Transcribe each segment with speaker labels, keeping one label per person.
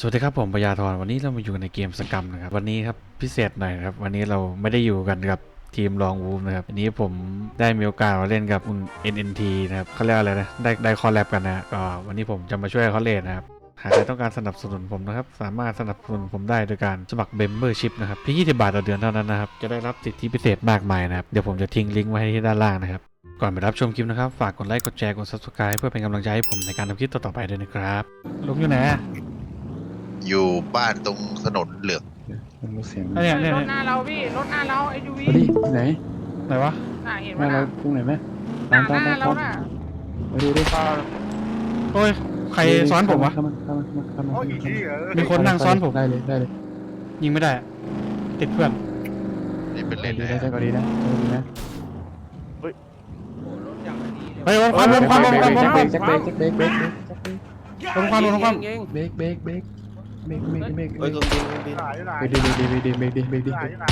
Speaker 1: วัสดีครับผมปยาธรวันนี้เรามาอยู่ในเกมสกรรมนะครับวันนี้ครับพิเศษหน่อยนะครับวันนี้เราไม่ได้อยู่กันกับทีมลองวูฟนะครับวันนี้ผมได้มีโอกาสมาเล่นกับคุณ NNT นะครับเขาเรียกอะไรนะได้คอลแลบกันนะก็วันนี้ผมจะมาช่วยเขาเล่นนะครับหากใครต้องการสนับสนุนผมนะครับสามารถสนับสนุนผมได้โดยการสมัคร Membership นะครับเพียง20 บาทต่อเดือนเท่านั้นนะครับจะได้รับสิทธิพิเศษมากมายนะครับเดี๋ยวผมจะทิ้งลิงก์ไว้ให้ที่ด้านล่างนะครับก่อนไปรับชมคลิปนะครับฝากกดไลค์กดแชร์กด Subscribe เพื่อเป็นกำลังใจให้ผมในการทำคลิปต่อๆไปด้วยนะครับลุงอยู่ไหน
Speaker 2: อยู่บ้านตรงถนนเหลือง
Speaker 3: มันรู้เสียง
Speaker 1: เนี่ย
Speaker 4: รถหน้าเราพี่รถหน้าเราไอ้ยูวี
Speaker 3: เอาดิไหน
Speaker 1: ไหนวะ
Speaker 4: น่าเห็น
Speaker 3: ห
Speaker 4: ไหม
Speaker 3: น้าเรา
Speaker 4: น่ะ
Speaker 3: ตรงไหนไหม
Speaker 4: หน้าเราน่ะ
Speaker 3: มาดูดิ
Speaker 1: โอ้ยใครซ้อนผมวะ
Speaker 3: เข้ามา
Speaker 4: โอ้ยอีกทีเหรอ
Speaker 1: มีคนนั่งซ้อนผม
Speaker 3: ได้เลย
Speaker 1: ยิงไม่ได้อะติดเพื่อน
Speaker 2: นี่เป็นเลน
Speaker 3: ดี
Speaker 2: นะ
Speaker 3: ได้ใจก็ดีนะดีนะ
Speaker 4: โอ้รถอย่างดีเลย
Speaker 1: เฮ้ยความลงความลงความลงความ
Speaker 3: แจ็คเบรกเบรก
Speaker 1: ลงความลงความ
Speaker 3: เบรกเฮ้ยเครื่องบิน
Speaker 4: หลายหลาย
Speaker 3: เบรกดิ
Speaker 4: หลายหลาย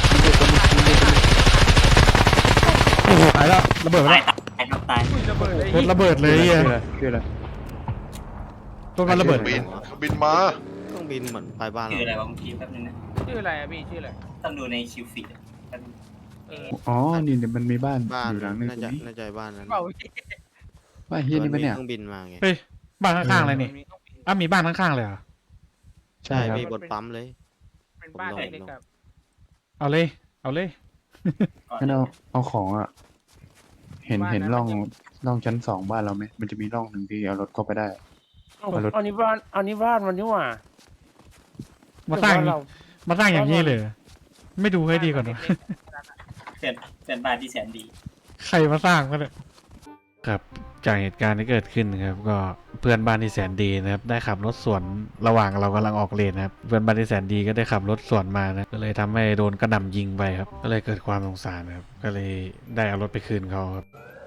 Speaker 1: โอ้โหตายแล้วระเบิดไปแล้ว
Speaker 4: อุ้ยระเบิดเลย
Speaker 1: รถระเบิดเลยอ่ะ
Speaker 3: คืออะไร
Speaker 1: รถมันระเบิด
Speaker 2: บินมา
Speaker 5: เครื่องบินเหมือนปลายบ้าน
Speaker 6: ชื่ออะไร
Speaker 5: เรา
Speaker 6: วะเมื่อกี้แป๊บนึงนะ
Speaker 4: ชื่ออะไรอะพี่ชื่ออะไร
Speaker 6: ต้องดูในคิวฟีดแป๊บนึง
Speaker 3: อ๋อนี่เดี๋ยวมันมีบ้าน
Speaker 5: บ้าน
Speaker 3: อยู่หลังนึง
Speaker 5: น่า
Speaker 3: ตร
Speaker 5: จะ
Speaker 3: งนี้
Speaker 5: น่าจะบ้านนั้น
Speaker 4: เปล่า
Speaker 3: บ้านเฮียนี่ปะเนี่ย
Speaker 5: เครื่องบินมาไง
Speaker 1: เฮ้ยบ้านข้างๆเลยนี่อ้าวมีบ้านข้างๆเลยเหรอ
Speaker 3: ใช่
Speaker 5: ใช่
Speaker 3: ครับ
Speaker 5: พี่บนปั๊มเลย
Speaker 4: เป็นบ้านเล็กๆครับ
Speaker 1: เอาเลยเอาเลย
Speaker 3: งั้นเอาของอ่ะเห็นร่องชั้นสองบ้านเราไหมมันจะมีร่องหนึ่งที่เอารถเข้าไปได้
Speaker 7: อันนี้บ้านมันนี่หว่า
Speaker 1: มาสร้าง
Speaker 7: เดี๋ยวเรา
Speaker 1: มาสร้างอย่างนี้เลยไม่ดูให้ดีก่อนวะ
Speaker 6: เพื่อนบ้านที่แสนดี
Speaker 1: ใครมาสร้างก็เลยครับจากเหตุการณ์ที่เกิดขึ้นนะครับก็เพื่อนบ้านที่แสนดีนะครับได้ขับรถสวนระหว่างเรากำลังออกเลนนะครับเพื่อนบ้านที่แสนดีก็ได้ขับรถสวนมานะก็เลยทำให้โดนกระหน่ำยิงไปครับก็เลยเกิดความสงสารนะครับก็เลยได้เอารถไปคืนเขาครับ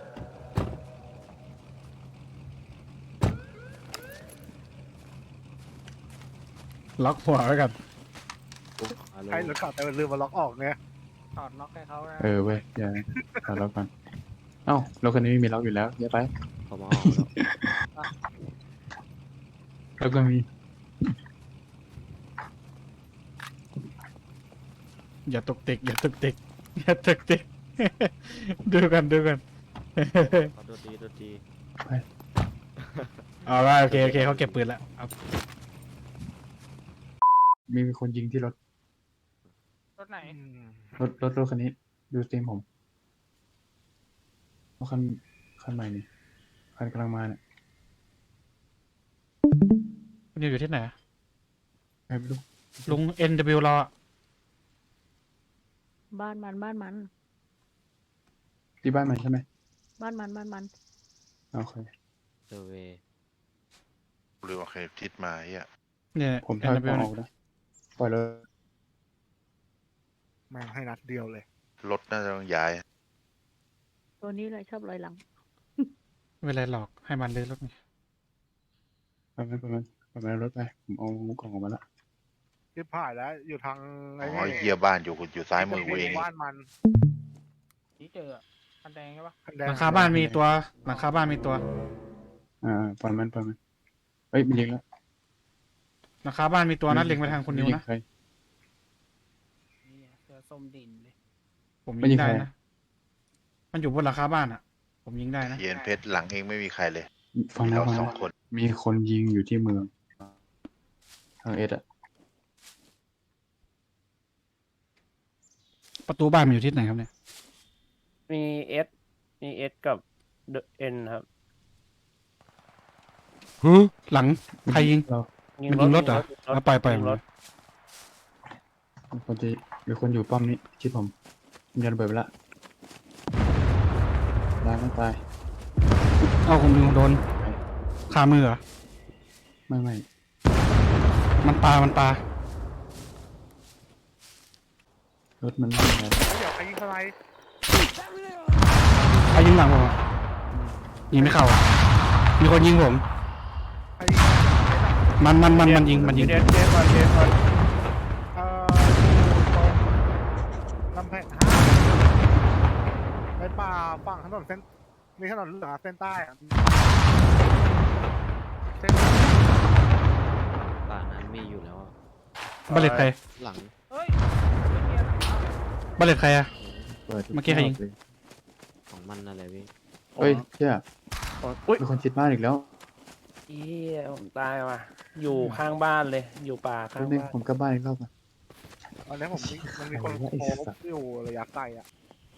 Speaker 1: ล็อกหัวไว้กัน
Speaker 4: ใครรถขับแต่ลืมมาล็อกออกเนี่ยถอดล็อกให้เขานะ
Speaker 3: เว้ยอย่าเอาล็อกก่อนเอ้ารถคันนี้ไม่มีล็อกอยู่แล้วอย่าไป
Speaker 5: เขามาเอาแล้ว
Speaker 3: แล้วก็มี
Speaker 1: อย่าตกติกอย่าตกติกอย่าตกติก ดูกัน
Speaker 5: เขาโดนดี
Speaker 1: เอาละโอเคเขาเก็บปืนแล้วเอา
Speaker 3: มีคนยิงที่รถ
Speaker 4: รถไหน
Speaker 3: รถคันนี้ดูสตรีมผมรถคันใหม่นี่คันกำลังมาเนี่ย
Speaker 1: คุณอยู่ที่ไหน
Speaker 3: ใครไม่รู้
Speaker 1: ลุง NW เราอะ
Speaker 8: บ้านมัน
Speaker 3: ที่บ้านมันใช่ไหม
Speaker 8: บ้านมัน
Speaker 3: โอเค
Speaker 5: เซอร์เวย์
Speaker 2: หรือว่าใครทิศมาเฮีย
Speaker 1: เนี่ย
Speaker 3: ผมถอย
Speaker 1: NW
Speaker 3: ออกนะปล่อยเลย
Speaker 4: แม่งให้นัดเดียวเลย
Speaker 2: รถน่าจะต้องย้าย
Speaker 8: ตัวนี้เลยชอบลอยหลัง
Speaker 1: เวลาหลอกให้มันเลยรถนี่
Speaker 3: ปล่อยรถไปผมเอากล่องออกมาแล้ว
Speaker 4: ที่ผ่านแล้วอยู่ทาง
Speaker 2: อ๋อเฮียบ้านอยู่ซ้ายมือกูเอง
Speaker 4: บ้านมันนี่เจอคันแดงใช่ปะ
Speaker 1: หลังคาบ้านมีตัวหลังคาบ้านมีตัว
Speaker 3: ปล่อยมันเฮ้ยมันยิงแล้ว
Speaker 1: หลังคาบ้านมีตัวนัดเล็งไปทางคุณนิวนะ
Speaker 3: ใคร
Speaker 4: นี่เจอส้มดินเลย
Speaker 1: ผม
Speaker 3: ไม่
Speaker 1: ยิ
Speaker 3: ยิ
Speaker 1: ง
Speaker 3: ง
Speaker 1: ได้
Speaker 3: ใคร
Speaker 1: นะมันอยู่บนหลังคาบ้านอะผมยิงได้นะ
Speaker 2: เย็นเพชรหลังเองไม่มีใครเลย
Speaker 3: ฟัง
Speaker 2: มี
Speaker 3: นะ
Speaker 2: เรา
Speaker 3: ฟัง
Speaker 2: สอง
Speaker 3: นะ
Speaker 2: คน
Speaker 3: มีคนยิงอยู่ที่เมืองทางเอสอะ
Speaker 1: ประตูบ้านมันอยู่ที่ไหนครับเนี่ย
Speaker 7: มีเอสกับเอ็นครับ
Speaker 1: หลังใครยิง
Speaker 3: เรา
Speaker 1: มันยิงรถเหรอเอาปล่อย
Speaker 7: ยิงรถ
Speaker 3: มีคนอยู่ป้อมนี้ชิดผมยันระเบิดไปละตายไม่ตาย
Speaker 1: เอาคุณนิวโดนคามือเหรอ
Speaker 3: ไม่
Speaker 1: มันปลาร
Speaker 3: ถมันไม่เป็นไร
Speaker 4: เดี๋ยวใครยิงอะไร
Speaker 1: ใครยิงหลังผมอะยิงไม่เข้าอะมีคนยิงผม
Speaker 4: ใครยิง
Speaker 1: มันยิง
Speaker 7: เดสก่อน
Speaker 4: อยู่ตรงลำแพงในป่าฝั่งถนนเส้นมีถนนเหลืองเส้นใต้อะเส้น
Speaker 5: ตป่านั้นมีอยู่แล้วอะ
Speaker 1: บัลเลตใคร
Speaker 5: หลัง
Speaker 7: เฮ้ยไม่มีอะไร
Speaker 1: บัลเลตใครอะ
Speaker 3: เปิด
Speaker 1: เมื่อกี้ใครยิง
Speaker 3: เลย
Speaker 5: ของมันนั่นแหละพี่
Speaker 3: เฮ้ยเจ้า
Speaker 7: อุ้ย
Speaker 3: มีคนชิดบ้านอีกแล้ว
Speaker 7: เฮียผมตายว่ะอยู่ข้างบ้านเลย อยู่ป่าข้าง
Speaker 3: แป๊บนึง
Speaker 7: บ้าน
Speaker 3: ผมกลับบ้านอีกรอบอ่ะ
Speaker 4: ตอนนี้มันมีคน
Speaker 3: อะไรวะไอ้
Speaker 4: โค
Speaker 3: สัตว์
Speaker 4: อยู่ระยะไกลอ่ะ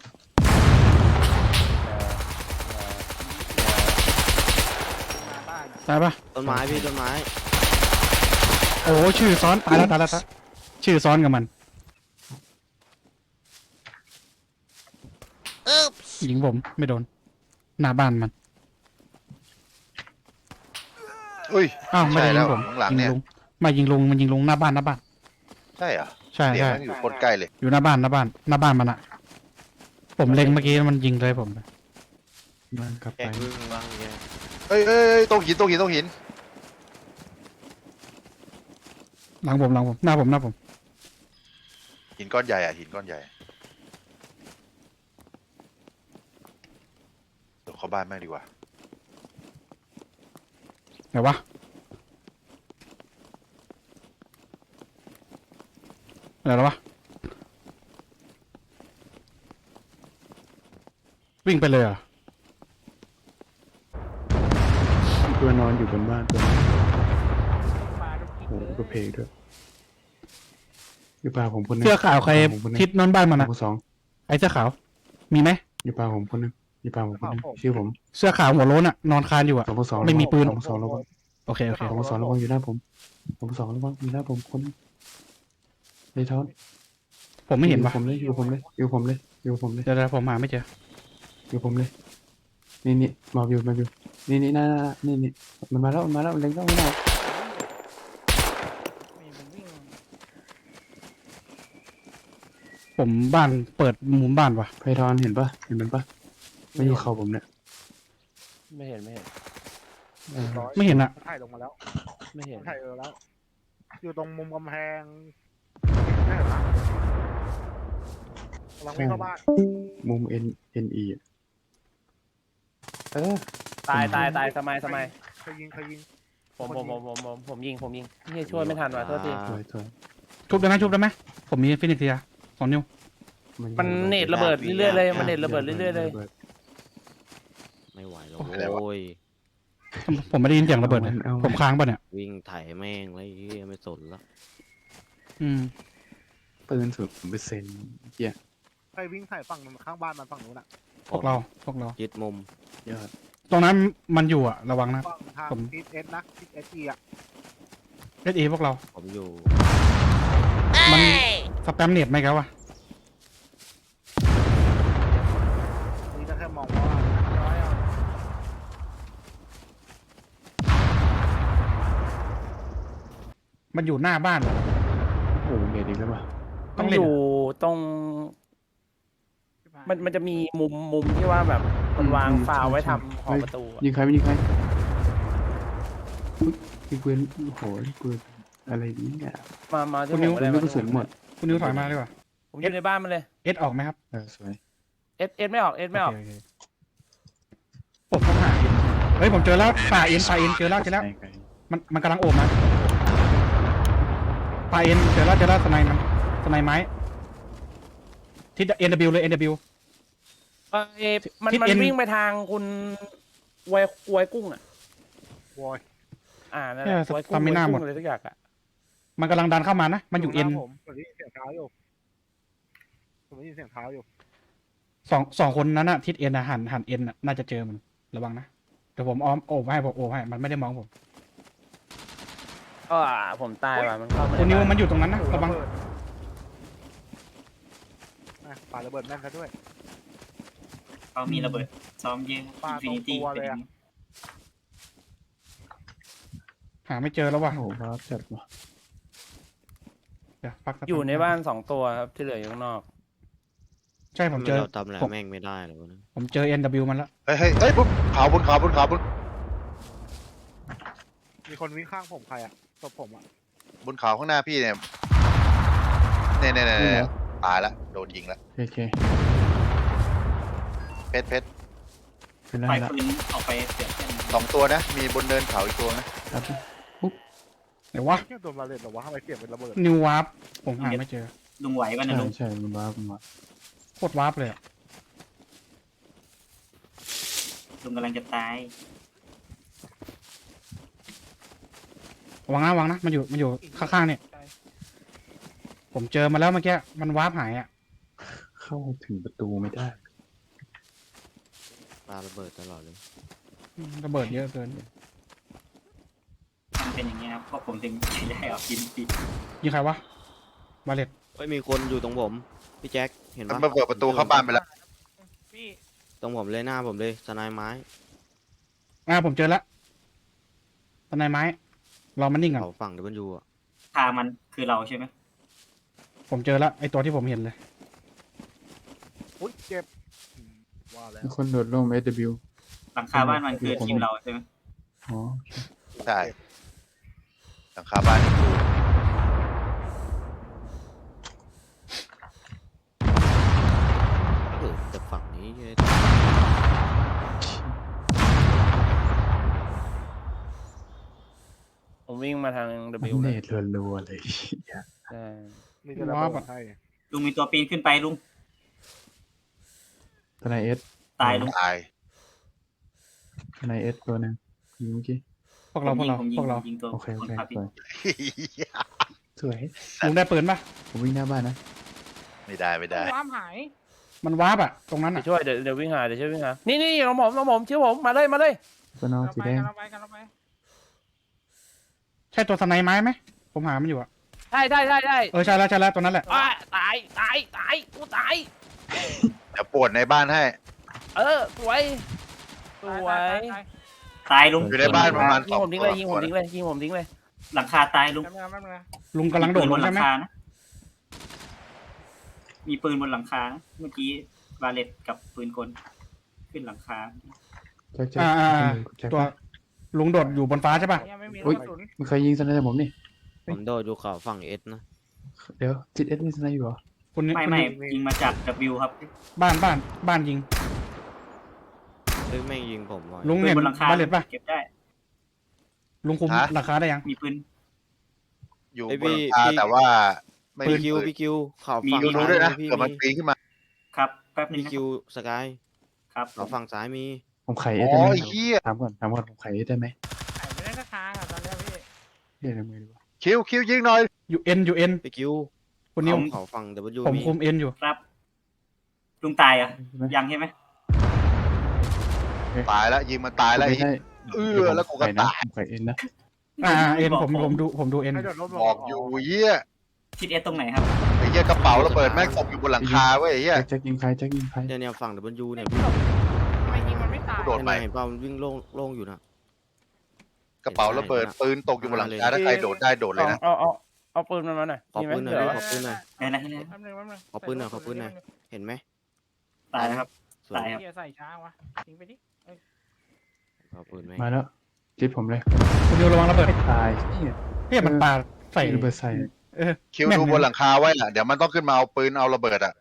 Speaker 7: มาบ้านอะ
Speaker 1: ตายปะ
Speaker 5: ต้นไม้พี่ต้นไม้
Speaker 1: โอ้ชื่อซ้อนตายแล้วตายแล้วตายชื่อซ้อนกับมันยิงผมไม่โดนหน้าบ้านมัน
Speaker 2: อุ้ย
Speaker 1: อ้าวไม่
Speaker 2: ใช่
Speaker 1: ได้ยิ
Speaker 2: แล้
Speaker 1: ง
Speaker 2: ว
Speaker 1: ผม
Speaker 2: ข้างหลัง
Speaker 1: ยิง
Speaker 2: เนี่ย
Speaker 1: ลุงไม่ยิงลุงมันยิงลุงหน้าบ้าน
Speaker 2: ใช่เหรอ
Speaker 1: ใช่
Speaker 2: เสียง
Speaker 1: ใช่
Speaker 2: มันอยู่คนใกล้เลย
Speaker 1: อยู่หน้าบ้านมันอะผมเล็งเมื่อกี้มันยิงเลยผม
Speaker 3: บ้านกลับ
Speaker 5: แก
Speaker 3: ไป
Speaker 5: วิ่งบ้างแก
Speaker 2: เอ้ยตรงหินตรงหินตรงหิน
Speaker 1: หลังผมหน้าผม
Speaker 2: หินก้อนใหญ่อ่ะหินก้อนใหญ่เดี๋ยวเข้าบ้านแม่งดีกว่า
Speaker 1: ไหนวะอะไรแล้ววะวิ่งไปเลยเหรอ่ะ
Speaker 3: ตัวนอนอยู่บนบ้านตัวนี้
Speaker 7: ปลาทุกที
Speaker 3: โอ้โห
Speaker 7: เลย
Speaker 3: ก็เพลงด้วยอยู่ป่าผมคนหนึง
Speaker 1: เสื้อขาวใคร
Speaker 3: ผมคนหนึง
Speaker 1: ทิศนอนบ้านมันอะ
Speaker 3: ผมสอง
Speaker 1: ไอ้เสื้อขาวมีไหม
Speaker 3: อยู่ป่าผมคนหนึงอยู่ป่าผมคนหนึงชื่อผม
Speaker 1: เสื้อขาวหัวโล้นอะนอนคานอยู่อะ
Speaker 3: สอง
Speaker 1: ไม่มีปืน
Speaker 3: สองระวัง
Speaker 1: โอเค
Speaker 3: สองระวังอยู่หน้าผมสองระวังอยู่หน้าผมคนหนึงเลยท้อน
Speaker 1: ผมไม่เห็น
Speaker 3: อยู่
Speaker 1: วะ
Speaker 3: ผมเลยอยู่ผมเลยอยู่ผมเลยอยู่ผมเลย
Speaker 1: เดี๋ยวผมหาไม่เจอ
Speaker 3: อยู่ผมเลย นี่มาอยู่นี่น่านี่มันมาแล้วเล็งแล้วไม่ได้
Speaker 7: มีมันวิ่ง
Speaker 1: ผมบ้านเปิดมุมบ้านวะ
Speaker 3: ไพทอนเห็นปะเห็นมันปะไม่อยู่เขาผมเนี่ย
Speaker 7: ไม่เห็น
Speaker 3: เออ
Speaker 1: ไม่เห็นอะ
Speaker 4: ถ่ายลงมาแล้ว
Speaker 7: ไม่เห็น
Speaker 4: ถ่ายแล้ว อยู่ตรงมุมกำแพงนี่เหรอกำลังวิ่งเข้าบ้าน
Speaker 3: มุม NE อะเออ
Speaker 7: ตายสมัย
Speaker 4: เคยยิง
Speaker 7: ผมยิงเฮียช่วยไม่ทันว่ะโทษที
Speaker 3: สวย
Speaker 1: ชุบได้ไหมผมมีฟินิกเซีย2 นิ้ว
Speaker 7: มันเน็ตระเบิดเรื่อยๆเลยมันเน็ตระเบิดเรื่อยๆเลย
Speaker 5: ไม่ไหวแล้ว
Speaker 2: อะไรวะ
Speaker 5: โอ้ย
Speaker 1: ผมไม่ได้ยินเสียงระเบิดเลยผมค้างป่ะเนี่ย
Speaker 5: วิ่งไถแม่งแล้วไอ้เหี้ยไม่สนแล้ว
Speaker 1: อืม
Speaker 3: ปืน0%เหี้ย
Speaker 4: ใครวิ่งถ่ายฝั่งข้างบ้านมันฝั่งนู้นอ่ะ
Speaker 1: พวกเรา
Speaker 5: ยึดมุม
Speaker 3: ยอด
Speaker 1: ตรงนั้นมันอยู่อะระวังนะ
Speaker 4: ฝั่งทาง
Speaker 1: ผม
Speaker 4: ทิศเอสนะทิศเอสอีอ่ะ
Speaker 1: เอพวกเรา
Speaker 5: ผมอยู่
Speaker 1: มันสแปมเน็ตไหมครับวะ
Speaker 4: นี่ก็แค่มองว่าร้อยอ่ะ
Speaker 1: มันอยู่หน้าบ้านเหรอ
Speaker 3: โอ้โหเน็ตอีกแล้วป่ะ
Speaker 1: ต้
Speaker 7: ต้
Speaker 1: อ
Speaker 7: อง ง
Speaker 1: เล่น
Speaker 7: อยู่ตรง มันจะมีมุมที่ว่าแบบมันวางฟาวไว้ทำขอบประตูอะ
Speaker 3: ยิงใครไม่ยิงใครอุ๊ยยิงปืนโอ้โหยิงปืนอะไรเนี่ย
Speaker 7: มาที่
Speaker 1: คุณ
Speaker 7: ผ
Speaker 1: นิว
Speaker 7: มก็ได้
Speaker 3: ลูกกระสุนหมด
Speaker 1: คุณนิวถอยมาดีกว่า
Speaker 7: ผมอยู่ในบ้านมันเลย
Speaker 1: เอสออกไหมครับ
Speaker 3: สวย
Speaker 7: เอสไม่ออกไม่ออก
Speaker 1: โเคผมต้องหาเอ็นเฮ้ยผมเจอแล้วป่าเอ็นเจอแล้ว
Speaker 3: ไกล
Speaker 1: มันกำลังโอบนะป่าเอ็นเจอแล้วสไนมันสไนไม้ทิศ NW เลย NW
Speaker 7: มัน
Speaker 1: ทิศ
Speaker 7: มัน
Speaker 1: N
Speaker 7: วิ่งไปทางคุณไวยกุ้งอ่ะ
Speaker 4: วอย
Speaker 7: นั่นแหละไวยกุ้ง
Speaker 1: ทำไม่น่าหมด
Speaker 7: เลยทุกอย่างอ่ะ
Speaker 1: มันกำลังดันเข้ามานะ มันอยู่ N
Speaker 4: ผมได้ยินเสียงเท้าอยู่ผมได้ยินเสียงเท้าอยู่
Speaker 1: สองคนนั้นอะทิศ N อะหัน N อะน่าจะเจอมันระวังนะเดี๋ยวผมอ้อมโอบให้มันไม่ได้มองผม
Speaker 7: ผมตายว่ะมันเข้ามา
Speaker 1: คุณนิว
Speaker 7: ใบ้า
Speaker 1: มันอยู่ตรงนั้นนะระวัง
Speaker 4: ปาระเบิดแม่นซะด้วย
Speaker 6: เขามีระเบิดซ้อมยิง
Speaker 4: ปา
Speaker 6: อิน
Speaker 4: ต
Speaker 6: ฟิ
Speaker 4: รง
Speaker 6: นิตี้
Speaker 4: ตัวเลยอะ
Speaker 1: หาไม่เจอแล้วว่ะ
Speaker 3: โอ้โหว้าวจัดว่ะ
Speaker 1: เดี๋ยวพักสัก
Speaker 7: อยู่ในบ้าน2 ตัวครับที่เหลืออยู่ข้างนอก
Speaker 1: ใช่ผมเจอ
Speaker 5: เราทำอะไรแม่งไม่ได้เลยวะนะ
Speaker 1: ผมเจอ NW มันแล้ว
Speaker 2: เฮ้ยบนเขาบน
Speaker 4: มีคนวิ่งข้างผมใครอ่ะศพผมอ่ะ
Speaker 2: บนเขาข้างหน้าพี่เนี่ยตายละโดนยิงละ
Speaker 3: โอเค
Speaker 2: เพชร
Speaker 3: เป็นไร
Speaker 6: ปล่อย
Speaker 3: ละ
Speaker 6: ปืนออกไปเสียบเพื่อน
Speaker 2: 2 ตัวนะ มีบนเนินเขาอีกตัวนะ
Speaker 3: ครับปุ๊บ
Speaker 1: ไหนวะ
Speaker 4: แค่ตัวมาเลยแต่ว่าทำไมเสียงเป็นระเบิด
Speaker 1: นิววาร์ปผมหาไม่เจอ
Speaker 6: ลุงไหวป่ะนะ
Speaker 3: ใช่
Speaker 6: ลุง
Speaker 3: ใช่มันบ้ามันบ้า
Speaker 1: โคตรวาร์ปเลยอะ
Speaker 6: ลุงกำลังจะตาย
Speaker 1: วางนะมันอยู่ข้างๆเนี่ยผมเจอมาแล้วเมื่อกี้มันวาร์ปหายอ่ะ
Speaker 3: เข้าถึงประตูไม่ได้
Speaker 5: ปาระเบิดตลอดเลย
Speaker 1: ระเบิดเยอะเกิน
Speaker 6: มันเป็นอย่างเงี้ยครับเพราะผมถึงได้เอากินปี
Speaker 1: ยิงใครวะบาเลต
Speaker 5: เฮ้ยมีคนอยู่ตรงผมพี่แจ็คเห็น
Speaker 2: มัน
Speaker 5: ปะ
Speaker 2: มาเปิดประตูเข้าบ้านไปแล้ว
Speaker 5: ตรงผมเลยหน้าผมเลยสไนไม้
Speaker 1: ผมเจอแล้วตอนไหนไม้รอมันนิ่งก่อน
Speaker 5: เขาฝั่งเดบันยูอ่ะ
Speaker 6: ทางมันคือเราใช่ไหม
Speaker 1: ผมเจอแล้วไอตัวที่ผมเห็นเลย
Speaker 4: อุ้ยเจ็บว่าแล้ว
Speaker 3: มีคนโดดลง SW
Speaker 6: หลังคาบ้านมันคือทีมเราใช่ไหม
Speaker 3: อ๋อ
Speaker 2: ใช่หลังคาบ้านนี่คือ
Speaker 5: แต่ฝั่งนี้
Speaker 7: ผมวิ่งมาทาง
Speaker 3: มัน
Speaker 7: W
Speaker 3: เน
Speaker 7: เลย
Speaker 3: ตรัวๆเลย
Speaker 7: ใช่
Speaker 4: มีแต่ระเบิดให้
Speaker 6: ลุงมีตัวปีนขึ้นไปลุง
Speaker 3: ทนายเอส
Speaker 6: ตายลุง
Speaker 2: ตาย
Speaker 3: ทนายเอสตัวหนึงยิงเมื่อกี้
Speaker 1: พวกเรา
Speaker 6: ผมยิงตัว
Speaker 3: โอเคโอ
Speaker 6: คน
Speaker 3: เค
Speaker 6: ขับ
Speaker 3: สวยสวย
Speaker 1: ลุงได้ปืนปะ
Speaker 3: ผมวิ่งหน้าบ้านนะ
Speaker 2: ไม่ได้ไม่ได้
Speaker 1: มันวาร์ปอ่ะตรงนั้น
Speaker 7: เดี๋
Speaker 1: อ่ะ
Speaker 7: ยวช่วยเดี๋ยววิ่งหาเดี๋ยวช่วยวิ่งหานี่น้องผมชื่อผมมาเลย
Speaker 3: ตัวนอกสีแดง
Speaker 1: ใช่ตัวสไนไม้ไหมผมหามันอยู่อ่ะ
Speaker 7: ใช่
Speaker 1: ใช่แล้วตัวนั้นแหละ
Speaker 7: ตายกูตาย
Speaker 2: เดี๋ยวปวดในบ้านให้
Speaker 7: สวย
Speaker 6: ตายลุง
Speaker 2: อยู่ในบ้านประมาณ
Speaker 7: ยิงผมทิ้งเลยยิงผมทิ้งเลย
Speaker 6: หลังคาตายลุง
Speaker 1: ลุงกำลังโดดลง
Speaker 6: มีปืนบนห
Speaker 1: ใช่
Speaker 6: ลั
Speaker 1: ไหม
Speaker 6: คานะมีปืนบนหลังคานะเมื่อกี้บาเลตกับปืนกลขึ้นหลังคา
Speaker 3: แจ็คแจ็คแจ็ค
Speaker 1: ตัวลุงโดดอยู่บนฟ้าใช่ปะ
Speaker 3: อุ้ยมีใครยิงสไนเปอร์ผมนี่
Speaker 5: ผมโดดอยู่เขาฝั่งเอสนะ
Speaker 3: เดี๋ยวจิตเอสมีสไนเปอร์อยู่เหรอ
Speaker 1: คุณนี่
Speaker 6: ไม่ยิงมาจาก W ครับ
Speaker 1: บ้านยิง
Speaker 5: เฮ้ยแม่งยิงผมว่ะ
Speaker 1: ลุง
Speaker 6: ปื
Speaker 1: เห็
Speaker 6: น
Speaker 1: น
Speaker 6: บนหลังคา
Speaker 1: บาเลตปะ
Speaker 6: เก็บได้
Speaker 1: ลุงคุมราคาได้ยัง
Speaker 6: มีปืน
Speaker 2: อยู่บนหลังคาแต่ว่าไม่
Speaker 5: พี่
Speaker 2: มี
Speaker 5: คิว
Speaker 2: ปืน
Speaker 5: พี่คิวเขา
Speaker 6: มี
Speaker 5: ฝั่ง
Speaker 2: ดูด้วยนะ
Speaker 5: พี่
Speaker 2: เกิดมันปีนขึ้นมา
Speaker 6: ครับแป๊บนึง
Speaker 5: พี่
Speaker 6: นะ
Speaker 5: คิวสกาย
Speaker 6: ครับ
Speaker 5: เขาฝั่งซ้ายมี
Speaker 3: ผมไขเอ
Speaker 2: อ๋
Speaker 3: สได้ไห
Speaker 2: อ
Speaker 3: ม
Speaker 2: ไอ้เหี้ย
Speaker 3: ถามก่อนผมไขเอสได้ไหมเรียกในมือดีกว่า
Speaker 2: คิวยิงหน่อย
Speaker 1: อยู่เอ็น
Speaker 5: พี่คิว
Speaker 1: คุณนิว
Speaker 5: เขาฝั่งเดบันยู
Speaker 1: ผม
Speaker 5: มี
Speaker 1: คุมเอ็นอยู่
Speaker 6: ครับลุงตายอ่ะ
Speaker 3: ใช่ไหม
Speaker 6: ยังใช่ไหม
Speaker 2: ตายแล้วยิงมันตายแล้วไอ้
Speaker 3: ไม่ได้
Speaker 2: แล้วกูก็ตาย
Speaker 3: ผมไขเอ็นนะ
Speaker 1: เอ็นผมดูเอ็น
Speaker 4: ให้โดดร่มลง
Speaker 2: บอกอยู่เหี้ย
Speaker 6: ทิศเอสตรงไหนครับ
Speaker 2: ไอ้เหี้ยกระเป๋าระเบิดแม่งตกอยู่บนหลังคาเว้ยไอ้เหี้ย
Speaker 3: แจ็คยิงใครแจ็คยิงใคร
Speaker 5: เนี่ยฝั่งเดบันยูเนี่ยพี่
Speaker 2: กูโดดไป
Speaker 5: เห็นเปล่ามันวิ่งโล่งอยู่นะ
Speaker 2: กระเป๋าระเบิดปืนตกอยู่บนหลังคาถ้าใครโดดได้โดดเลยนะ
Speaker 7: เอาปืนมันมาหน่อย
Speaker 5: ขอปืนหน่อย
Speaker 7: มี
Speaker 5: ดิ
Speaker 7: ไหม
Speaker 5: ขอปืนหน่อย
Speaker 6: ได้แล้วได้แล้ว
Speaker 5: ขอปืนหน่อยขอปืนหน่อยเห็นไหม
Speaker 6: ตายแล้วครับ
Speaker 5: สวย
Speaker 6: ตายครับ
Speaker 7: ใส่ช้าวะทิ้งไปดิ
Speaker 5: ขอปืนไหม
Speaker 3: มาแล้วจิตผมเลย
Speaker 1: คุณนิวระวังระเบิด
Speaker 3: ตายเนี่ย
Speaker 1: เฮ้ยมันปาใส่
Speaker 3: ระเบิดใส่
Speaker 2: คิวดูบนหลังคาไว้น่ะเดี๋ยวมันต้องขึ้นมาเอาปืนเอาระเบิดอ่ะ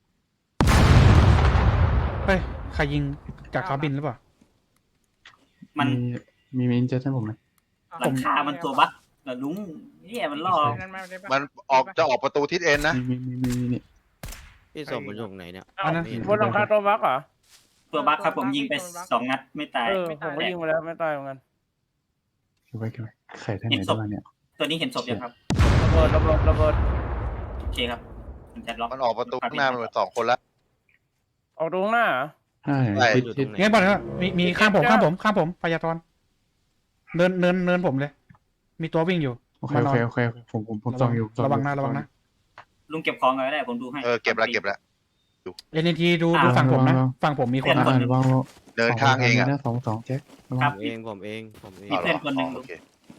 Speaker 1: เฮ้ยใครยิงจากเขาบินหรือเปล่า
Speaker 6: มัน
Speaker 3: มีอินเจอร์ให้ผมไหม
Speaker 6: หลังคามันตัวบั๊กแต่ลุงเนี่ยมันล่อ
Speaker 2: มันจะออกประตูทิศเอ็นนะ
Speaker 3: มีนี่
Speaker 5: พี่สมมันอยู่ตรงไหนเนี่ย
Speaker 1: อันนั้น
Speaker 7: บนหลังคาตัวบั๊กเหรอ
Speaker 6: ตัวบั๊กครับผมยิงไป2 นัดไม่ตาย
Speaker 7: ผมก็ยิงไปแล้วไม่ตายเหมือนกัน
Speaker 3: เก็บไว้ไข่ท่านไหนได้บ้างเนี่ย
Speaker 6: ตัวนี้เห็นศพยังครับ
Speaker 7: ระเบิด
Speaker 6: โอเคครับมันจะล็อก
Speaker 2: มันออกประตูข้างหน้ามันสองคนละ
Speaker 7: ออกตรงหน้า
Speaker 3: ใช่
Speaker 5: อยู่ต
Speaker 3: ทิ
Speaker 5: ร
Speaker 3: ศ
Speaker 5: งไหน
Speaker 1: งั้นบอกเลยว่ามีข้างผมพยาธรเนินผมเลย มีตัววิ่งอยู่
Speaker 3: โอเคผมส่องอยู่
Speaker 1: ระวังนะ
Speaker 6: ลุงเก็บของกันก็ได้ผมดูให้
Speaker 2: เก็บละ
Speaker 1: เอ็นทีดูฝั่งผมนะฝั่งผมมีคนนะ
Speaker 3: ระวัง
Speaker 2: เดินข้างเองอ่ะ
Speaker 3: สองแจ็ค
Speaker 6: ครับ
Speaker 5: ผมเอง
Speaker 6: มีเพื่อนคนหนึ่ง
Speaker 2: โอเค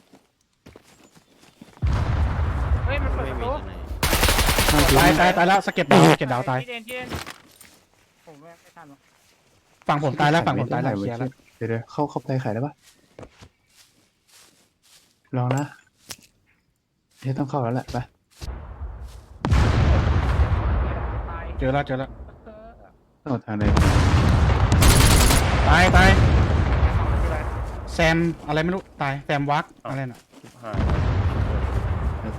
Speaker 7: เฮ้ยมันเปิด
Speaker 5: ไม่
Speaker 7: ประ
Speaker 5: มี
Speaker 7: ตู
Speaker 5: ไหน
Speaker 1: ตายแล้วสเก็ตดาวตาย
Speaker 7: ผมไม่ทันหรอก
Speaker 1: ฝั่งผมตายแล้วเคลียร์แล้ว
Speaker 3: เดี๋ยวเข้าไปไข่ได้ปะลองนะต้องเข้าแล้วแหละไป
Speaker 1: เจอแล้ว
Speaker 3: ต้องทางไหน
Speaker 1: ตายแซมอะไรไม่รู้ตายแซมวักอะไรน่ะ
Speaker 7: หาย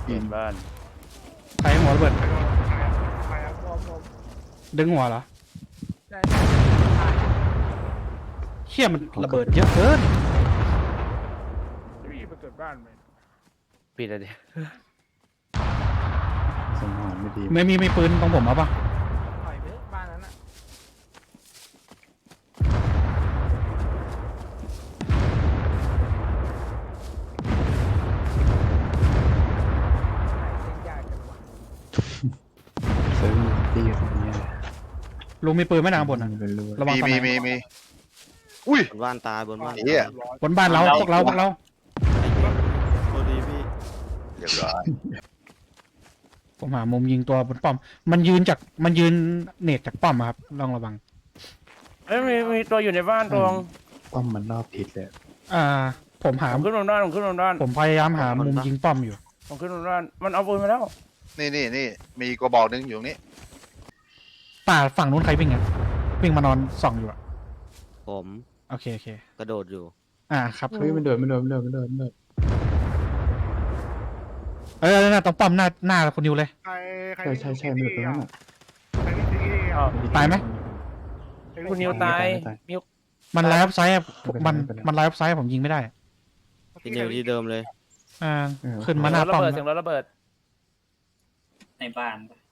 Speaker 3: ปีน
Speaker 7: บ้าน
Speaker 1: ใครหัวระเบิด
Speaker 4: ใครอะผม
Speaker 1: ดึงหัวเหรอ
Speaker 4: ใช่
Speaker 1: เชี่ยมันระเบิดเยอะเกิน
Speaker 4: รีบไปเกิดบ้านไป
Speaker 7: ปิดอะไรดิ
Speaker 3: สังหารไม่ดี
Speaker 1: ไม่ปืนตรงผมเอาปะ
Speaker 4: ปล่อยไปบ้านนั้นอะ
Speaker 3: เซิร์ฟตีอยู่ตรงเนี้ย
Speaker 1: ลุงมีปืนไหม่นางบนอ่ะ
Speaker 3: เป็นรู
Speaker 1: ระวัง
Speaker 2: มี
Speaker 1: ตอนไหน
Speaker 2: มีอุ้ย
Speaker 5: บนบ้านตายบนบ้าน
Speaker 2: เหี้ย
Speaker 1: บนบ้านเราพวกเรา
Speaker 5: โทษดีพี่
Speaker 2: เรียบร้อย
Speaker 1: ผมหามุมยิงตัวบนป้อม มันยืนเนตจากป้อมอะครับลองระวัง
Speaker 7: เอ้ยมีตัวอยู่ในบ้านตรง
Speaker 3: ป้อมมันรอบทิศเลย
Speaker 1: ผมหา
Speaker 7: ผมขึ้นบนบ้านผมขึ้นบนบ้าน
Speaker 1: ผมพยายามหามุมยิงป้อมอยู่
Speaker 7: ผมขึ้นบนบ้านมันเอาปืนมาแล้ว
Speaker 2: นี่มีกระบอกหนึงอยู่ตรงนี้
Speaker 1: ป่าฝั่งนู้นใครวิ่งอ่ะวิ่งมานอนส่องอยู่อ่ะ
Speaker 5: ผม
Speaker 1: โอเค
Speaker 5: กระโดดอยู่
Speaker 1: ครับ
Speaker 3: เฮ้ยมันเดิน
Speaker 1: น่าตรงป้อมหน้าคุณนิวเลย
Speaker 4: ใคร
Speaker 3: ใช่มันเดินตรงนั้นอ่ะ
Speaker 4: ใครวิ่งที่นี่
Speaker 7: อ้าว
Speaker 1: ตายไหม
Speaker 7: คุณนิวตายมิว
Speaker 1: มันไลฟ์ไซด์
Speaker 3: ไม่เป็นไร
Speaker 1: มัน
Speaker 3: ไม่เป็นไร
Speaker 1: มันไลฟ์ไซด์ผมยิงไม่ได้
Speaker 5: ที่นิวที่เดิมเลย
Speaker 1: ขึ้นมาหน้า
Speaker 7: ระ
Speaker 1: ป้อม
Speaker 7: เบิดเสียงรถระเบิด
Speaker 6: ในบ้าน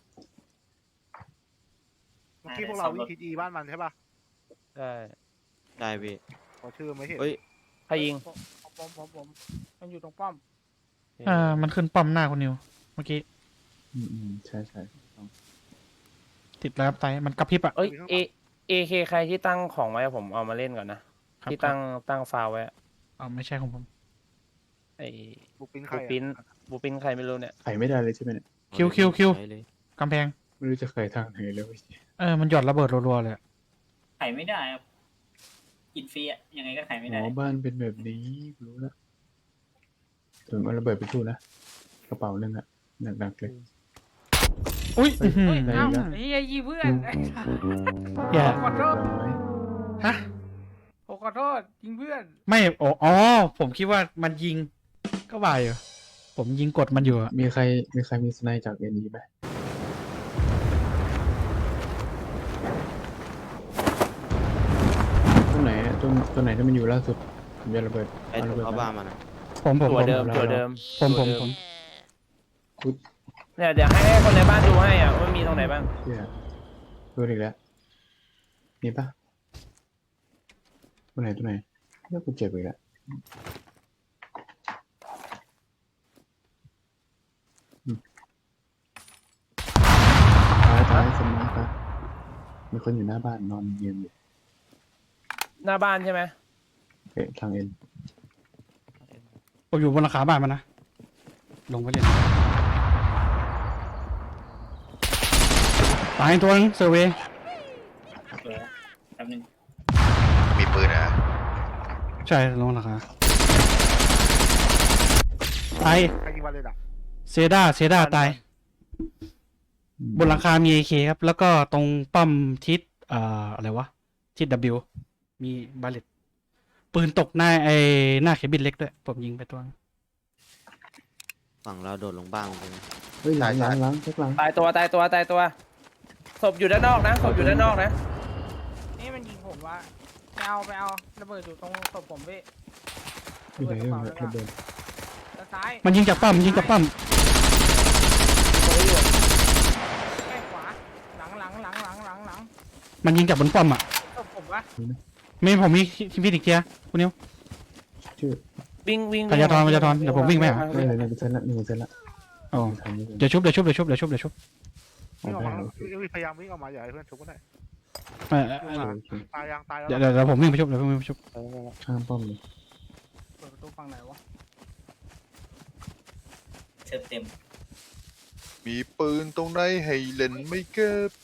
Speaker 4: เมื่อกี้พวกเราวิ่งทีจีบ้านมันใช่ป่ะ
Speaker 7: ใช่
Speaker 5: ได้พี่
Speaker 4: ขอชื่อไม่เห็น
Speaker 5: เฮ้ย
Speaker 7: ใครยิง
Speaker 4: ผมมันอยู่ตรงป้อม
Speaker 1: มันขึ้นป้อมหน้าคุณนิว เมื่อกี้
Speaker 3: ใช่
Speaker 1: ติดไลฟ์ไซด์มันกระพริบอ่ะ
Speaker 7: เอ้ยเอเคใครที่ตั้งของไว้ผมเอามาเล่นก่อนนะที่ตั้งฟาวไว้
Speaker 1: ไม่ใช่ของผม
Speaker 7: ไอ้
Speaker 4: บุกปิ้นใคร
Speaker 7: บูปินใครไม่รู้เนี่ย
Speaker 3: ไขไม่ได้เลยใช่ไหมเนี่ย
Speaker 1: คิว
Speaker 5: ใช้เลย
Speaker 1: กำแพง
Speaker 3: ไม่รู้จะเคยทางไหนเลย
Speaker 1: มันหยอดระเบิดรัวๆเลย
Speaker 6: ไขไม่ได้ครับกินฟรีอะยังไงก็ไขไม่
Speaker 3: หม
Speaker 6: ได้
Speaker 3: อบ้านเป็นแบบนี้รู้แล้วถึงเอาระเบิดไปสู้นะกระเป๋านึงอ่ะหนักๆเลย
Speaker 1: อุ้ย
Speaker 3: ได้แล้ว
Speaker 4: เฮ้ยยีเพื่อน
Speaker 1: อย่า
Speaker 4: ขอโทษ
Speaker 1: ฮะ
Speaker 4: ผมขอโทษยิงเพื่อน
Speaker 1: ไม่อ๋อผมคิดว่ามันยิงก็บ่ายอยู่ผมยิงกดมันอยู่อะ
Speaker 3: มีใครมีสไนด์จากเอ็นดีไหมตรงไหนอะตรงไหนที่มันอยู่ล่าสุดผมจะระเบิด
Speaker 5: ไอ้
Speaker 3: เอา
Speaker 5: ถู
Speaker 3: ระ
Speaker 5: ก
Speaker 3: เบิด
Speaker 5: เข้าบ้าน
Speaker 3: มา
Speaker 5: มันอะ
Speaker 1: ผม
Speaker 7: ตัวเดิม
Speaker 1: ผม
Speaker 3: คุด
Speaker 7: เนี่ยเดี๋ยวให้คนในบ้านดูให้อ่ะว่ามีตรงไหนบ้าง
Speaker 3: เชี่ยดูอีกแล้วนี่ปะตรงไหนเนี่ยกูเจ็บอีกแล้วตายสมองตายมีคนอยู่หน้าบ้านนอนยืนอยู่
Speaker 7: หน้าบ้านใช่ไหม
Speaker 3: ทางเอ็น
Speaker 1: ผมอยู่บนหลังคาบ้านมันนะลงไปเลยตายตัวนึงเซอร์เวย์
Speaker 6: เดี๋ยวแป๊บนึง
Speaker 2: มีปืนนะ
Speaker 1: ใช่ลงหลังคาตาย
Speaker 4: ใครยิงมาเลยอ่ะ
Speaker 1: เซด้าตายบนหลังคามี AK ครับ แล้วก็ตรงป้อมทิศอะไรวะทิศ W มีบาเลตปืนตกหน้าหน้าเคบินเล็กด้วยผมยิงไปตัวนึง
Speaker 5: ฝั่งเราโดดลงบ้านไปเลย
Speaker 3: เฮ้ยหลังเช็คหลัง
Speaker 7: ตายตัวศพอยู่ด้านนอกนะศพอยู่ด้านนอกนะ
Speaker 4: นี่มันยิงผมว่าไปเอาระเบิดอยู่ตรงศพผมพี่
Speaker 3: อยู่ไหนระเบิด
Speaker 4: ด้านซ้าย
Speaker 1: มันยิงจากป้อม
Speaker 4: แก้ขวาหลัง
Speaker 1: มันยิงจากบนป้อมอ่ะ
Speaker 4: ศพผมวะ
Speaker 1: ไม่ผมมีพี่อีกเทียคุณนิว
Speaker 3: ชื่อ
Speaker 7: วิ่ง
Speaker 1: พยาธรเดี๋ยวผมวิ่งไปหา
Speaker 3: ได้เลย1%ละ
Speaker 1: อ๋อ
Speaker 3: ทันนี้
Speaker 1: เดี๋ยวชุบ
Speaker 4: วิ่งออกมาพยายามวิ่งออกมาอย่าให้เพื่อนชุบก็ได้ตายแล้ว
Speaker 1: เดี๋ยวผมวิ่งไปชุบ
Speaker 3: ข้างป้อมเลย
Speaker 4: เปิดประตูฝั่งไหนวะ
Speaker 6: เชิญเต็ม
Speaker 2: มีปืนตรงไหนให้เล่นไม่เก็บ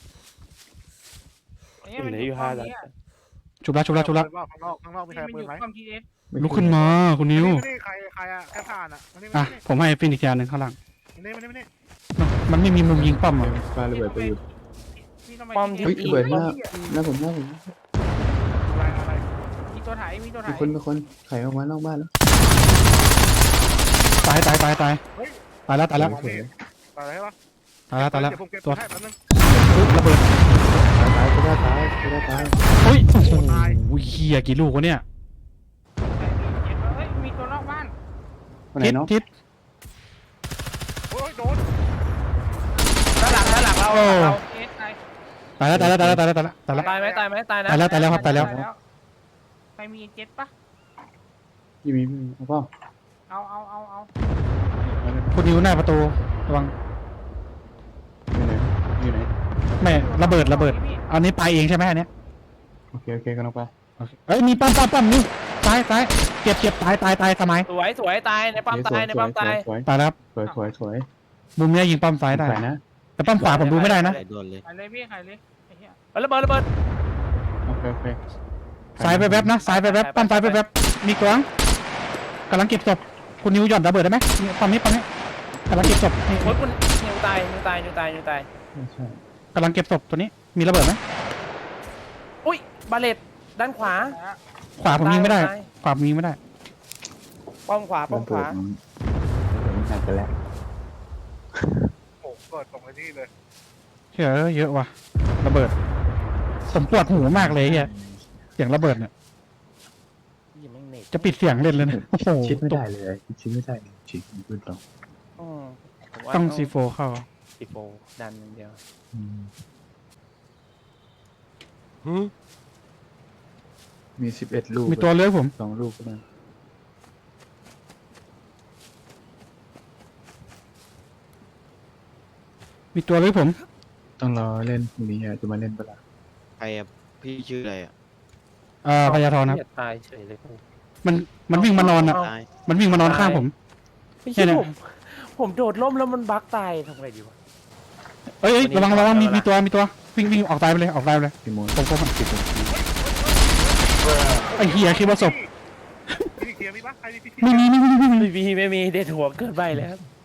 Speaker 7: เหลืออยู่5แล้ว
Speaker 1: ชุบละ
Speaker 4: ข้างนอกมีใครปืนไหม
Speaker 1: ลุกขึ้นมาคุณนิว
Speaker 4: นี่ใครอะแค่ผ่านอะมานี่
Speaker 1: ผมให้ฟินิกยาหนึ่งข้างหลัง
Speaker 4: มานี่
Speaker 1: มันไม่มีมุมยิงป้อมอ่ะ
Speaker 3: ปาระเบิดไปอยู่
Speaker 7: ป้อมที่
Speaker 3: เฮ้ยระเบิดหน้าผม
Speaker 4: อะไรมีตัวถ่าย
Speaker 3: มีคนไขออกมานอกบ้านแล้ว
Speaker 1: ตายตายแล้วตายแล้ว
Speaker 4: มองพี่ตายแล้วใช่ปะ
Speaker 1: ตายแล้วตายแล้ว
Speaker 4: เดี๋ยวผมเก็บ
Speaker 1: ตัว
Speaker 4: ให้แป๊บนึง
Speaker 1: อุ๊ยระเบิด
Speaker 3: ตายก็ได้ตายก็ได้ตาย
Speaker 1: เฮ้ยโอ้โห
Speaker 4: ตาย
Speaker 1: เฮียกี่ลูกวะเนี่ย
Speaker 7: เฮ้ยมีตัวนอกบ้าน
Speaker 3: วันไหน
Speaker 1: ทิศ
Speaker 3: เนาะ
Speaker 1: ทิศ
Speaker 4: โอ้ยโดน
Speaker 7: ด้านหลังเรา
Speaker 1: โอ้
Speaker 7: เราเอสไอ
Speaker 1: ตายแล้วตายแล้วตายแล้วตายแล้วตายแล้วตายแล้ว
Speaker 7: ตายไหมตายไหมตายนะ
Speaker 1: ตายแล้วตายแล้วครับตายแล้ว
Speaker 7: ใครมีเจ็ตปะ
Speaker 3: ยี่มีเอาเปล่า
Speaker 7: เอา
Speaker 3: เอาเลย
Speaker 1: คุณนิวหน้าประตูระวัง
Speaker 3: อยู่ไหนอยู่ไหน
Speaker 1: ไม่ระเบิดระเบิดอันนี้ไปเองใช่ไหมอันเนี้ย
Speaker 3: โอเคโอเคกันออกไป
Speaker 1: โอเคเอ้ยมีปั๊มนี่ตายเจ็บตายสมัย
Speaker 7: สวยตายในปั๊มตายในปั๊มตาย
Speaker 3: สวย
Speaker 1: ตายแล้วครับ
Speaker 3: สวยสวยสวย
Speaker 1: มุมเนี้ยยิงปั๊มซ้ายได้
Speaker 3: ใส่นะ
Speaker 1: แต่ปั๊มขวาผมดูไม่ได้นะ
Speaker 5: ใส่ด่วนเลย
Speaker 7: ใครเลยพี่ใครเลยระเบิด
Speaker 3: โอเคโอเค
Speaker 1: ซ้ายไปแวบนะซ้ายไปแวบปั๊มซ้ายไปแวบมีกลางกำลังเก็บศพคุณนิวหย่อนระเบิดได้ไหมนี่ปั๊มนี้กำลังเก็บศพนี่
Speaker 7: โอ้ยคุณนิวตาย
Speaker 3: ใช่
Speaker 1: กำลังเก็บศพตัวนี้มีระเบิดไหม
Speaker 7: อุ้ยบาเลตด้านขวา
Speaker 1: ขวาผมยิงไม่ได้
Speaker 7: ตาย
Speaker 1: ขวาผมยิงไม่ได้
Speaker 7: ป้อมขวา
Speaker 3: มันหนักกันแล้ว
Speaker 4: โอ้เกิดตรงไอ้นี่เลย
Speaker 1: เยอะว่ะระเบิดผมปวดหูมากเลยเฮียเสียงระเบิดเนี่ยจะปิดเสียงเล่นเลยนะโอ้โห
Speaker 3: ชิดไม่ได้เลยชิดไม่ได้ชิดพูดตรง
Speaker 1: ต้องซีโฟเข้า
Speaker 7: ซีโฟดันอย่างเดียว
Speaker 3: มี11 ลูก
Speaker 1: มีตัวเลื้อยผม
Speaker 3: 2 ลูกก็ได้
Speaker 1: มีตัวเลื้อยผม
Speaker 3: ต้องรอเล่นพรุ่งนี้อ่ะจะมาเล่นเปล่า
Speaker 5: ใครอะพี่ชื่ออะไรอะ
Speaker 1: พยาธรครับ
Speaker 7: ตายเฉยเลย
Speaker 1: มันวิ่งมานอนอ่ะ
Speaker 5: ตาย
Speaker 1: มันวิ่งมานอนข้างผม
Speaker 7: ไม่ใช่ผมโดดล่มแล้วมันบั๊กตายทำไงดีวะ
Speaker 1: เอ้ยระวังมีตัววิ่งออกตายไปเลย
Speaker 3: พี่โมน
Speaker 1: ผมไอ้เฮียคิดว่าศพ
Speaker 4: มีเกียร์มีปะใครมีพิธี
Speaker 1: ไม่มี
Speaker 7: ไม่มีเด็ดหัวเกินไปแล้ว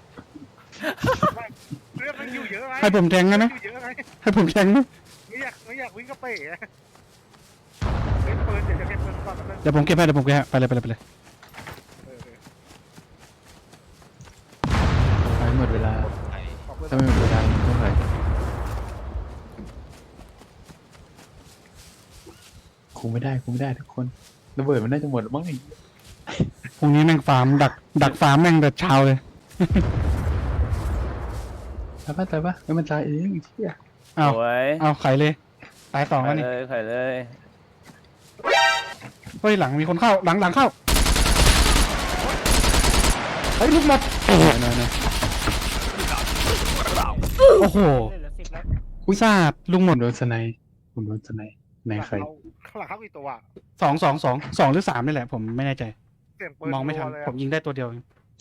Speaker 4: เรื่องมันอยู่เยอะไหม
Speaker 1: ให้ผมแทงได้ไหม
Speaker 4: อยู่เยอะไหม
Speaker 1: ให้ผมแทงไหม
Speaker 4: ไม่อยากวิ่งกระเป๋อะเล่นปืนเดี๋ยวจะเก็บปืนก่อนแป๊บนึง
Speaker 1: เดี๋ยวผมเก็บให้ไปเลย
Speaker 4: เออ
Speaker 3: ไปหมดเวลา
Speaker 4: ขอบคุณ
Speaker 3: ถ้าไม่หมดเวลาเท่าไหร่คงไม่ได้ทุกคนระเบิดมันน่าจะหมดบ้างไง
Speaker 1: พรุ่งนี้แม่งฟาร์มดักฟาร์มแม่งแต่เช้าเลย
Speaker 3: ตายปะไม่มันตายเองเชี่ย
Speaker 1: เอา
Speaker 7: สวย
Speaker 1: เอาไขเลยตายสองแล้วนี่
Speaker 7: ไข่เลย
Speaker 1: เฮ้ยหลังมีคนเข้าหลังเข้าเฮ้ยลูกหมด
Speaker 3: น้อย
Speaker 1: โอ้โห
Speaker 7: เหลือ10แล้ว
Speaker 1: อุยซาดลุงหม
Speaker 3: ผ
Speaker 1: ด
Speaker 3: มโดนสไนในใคร
Speaker 4: ข้างหลังเข้ากี่ตัวอะ
Speaker 1: 2 หรือ 3นี่แหละผมไม่แน่ใจ
Speaker 4: เสียงปืน
Speaker 1: มองไม่ทัน
Speaker 4: รัวเลย
Speaker 1: ผมยิงได้ตัวเดียวเอง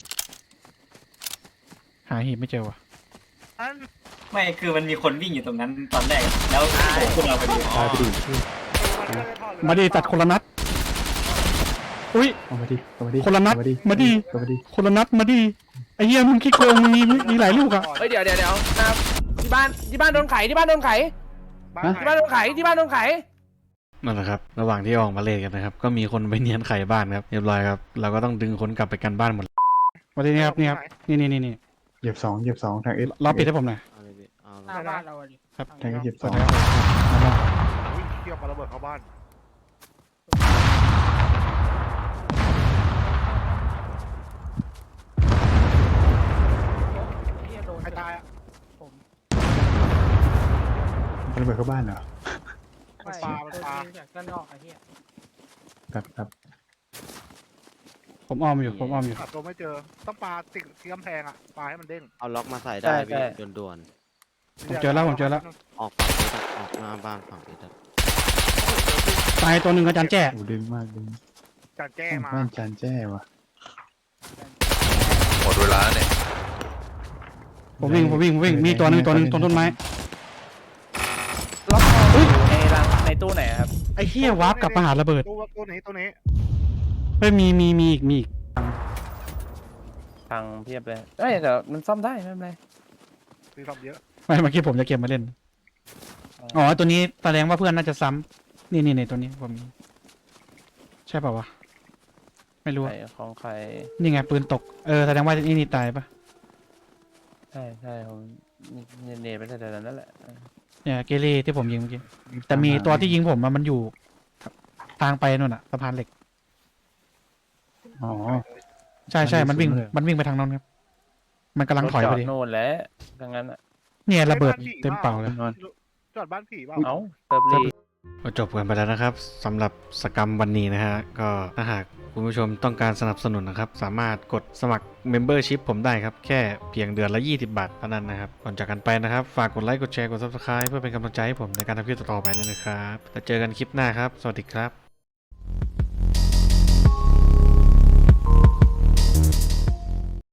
Speaker 1: หาหีบไม่เจอว่ะ
Speaker 4: อัน
Speaker 6: ไม่คือมันมีคนวิ่งอยู่ตรงนั้นตอนแรกแล้วโผล่ขึ้นมาพอดี
Speaker 3: ตายไปดิ
Speaker 1: มาดีตัดคนละนัดอุ้ย
Speaker 3: เอามาดิ
Speaker 1: คนละนัด
Speaker 3: เอามาดิ
Speaker 1: มาดิ
Speaker 3: เอามาดิ
Speaker 1: คนละนัดมาดีไอ้เหี้ยมึงคิดโกงมึงมีหลายลูกอะ
Speaker 7: เฮ้ยเดี๋ยวนะครับที่บ้านโดนไขที่บ้านโดนไข
Speaker 4: บ้าน
Speaker 7: ที่บ้านโดนไข
Speaker 1: นั่นแหละครับระหว่างที่ออกมาเล่นกันนะครับก็มีคนไปเนียนไขบ้านครับเรียบร้อยครับเราก็ต้องดึงคนกลับไปกันบ้านหมดมาดีนี่ครับนี่
Speaker 3: เหยียบสองทางเอส
Speaker 1: รอปิดให้ผมหน่อย
Speaker 5: เอาเลยพี่เอา
Speaker 7: หน้าบ้านเราอะดิ
Speaker 1: ครับ
Speaker 3: ทางเอสเหยียบสอง
Speaker 4: วิ่งเที่ยวมาระเบิดเข้าบ้าน ใครตายอ่ะ
Speaker 3: มันระเบิดเข้าบ้านเหรอ
Speaker 4: มันปลา
Speaker 7: จากด้านนอกไอ้เหี้ย
Speaker 3: ครับ
Speaker 1: ผมอ้อมอยู่
Speaker 4: หาตัวไม่เจอต้องปลาติดที่กำแพงอ่ะปลาให้มันเด้ง
Speaker 5: เอาล็อกมาใส่ได้พี่ด่วน
Speaker 1: ผมเจอแล้ว
Speaker 5: ๆออกฝั่งนี้ออกหน้าบ้านฝั่งนี้ได้
Speaker 1: ตายตัวหนึ่งอาจารย์แจ้
Speaker 3: โอ้ดึงมากดึง
Speaker 4: จานแจ้มา
Speaker 3: บ้านจานแจ้ว่ะ
Speaker 2: หมดเวลาเนี่ย
Speaker 1: ผมวิ่งมีตัวหนึ่งตรงต้นไม้
Speaker 7: ล็อกในตู้ไหนครับ
Speaker 1: ไอ้เหี้ยวาร์ปกลับมาหาระเบิด
Speaker 4: ตัวนี้
Speaker 1: เฮ้ยมีอีก
Speaker 7: พังเพียบเลยเอ้ยแต่มันซ่อมได้ไม่เป็นไร
Speaker 4: มีความเยอะ
Speaker 1: ไม่เมื่อกี้ผมจะเก็บมาเล่นอ๋อตัวนี้แสดงว่าเพื่อนน่าจะซ้ำนี่ตัวนี้ผมใช่ป่าวะไม่รู้
Speaker 7: ใครของใคร
Speaker 1: นี่ไงปืนตกแสดงว่านี่ตายปะ
Speaker 7: ใช่ผมเนตไปแต่นั้นแหละ
Speaker 9: เนี่ยเกเรที่ผมยิงเมื่อกี้แต่มีตัวที่ยิงผมอะมันอยู่ทางไปนู่นอะสะพานเหล็ก
Speaker 3: อ๋อ
Speaker 9: ใช่
Speaker 3: มันอยู่
Speaker 9: มันวิ่ง
Speaker 3: สูงเลย
Speaker 9: ไปทางนั้นครับ มันกำลังถอย
Speaker 7: รถ
Speaker 9: พ
Speaker 7: จ
Speaker 9: อ
Speaker 7: อด
Speaker 9: ดี
Speaker 7: โน่นแหล้วดังนั้นอ่ะ
Speaker 9: เนี่ยระเบิดเต็มเป่าเลย
Speaker 4: จอดบ้านผีเปล่า
Speaker 7: เอ้าเติร์บลี
Speaker 1: ก็จบกันไปแล้วนะครับสำหรับสกรรมวันนี้นะฮะก็ถ้าหากคุณผู้ชมต้องการสนับสนุนนะครับ สามารถกดสมัคร Membership ผมได้ครับ แค่เพียงเดือนละ 20 บาทเท่านั้นนะครับ ก่อนจากกันไปนะครับ ฝากกดไลค์กดแชร์กด Subscribe เพื่อเป็นกำลังใจให้ผมในการทำคลิปต่อๆไปด้วยนะครับแล้วเจอกันคลิปหน้าครับ สวัสดีครับ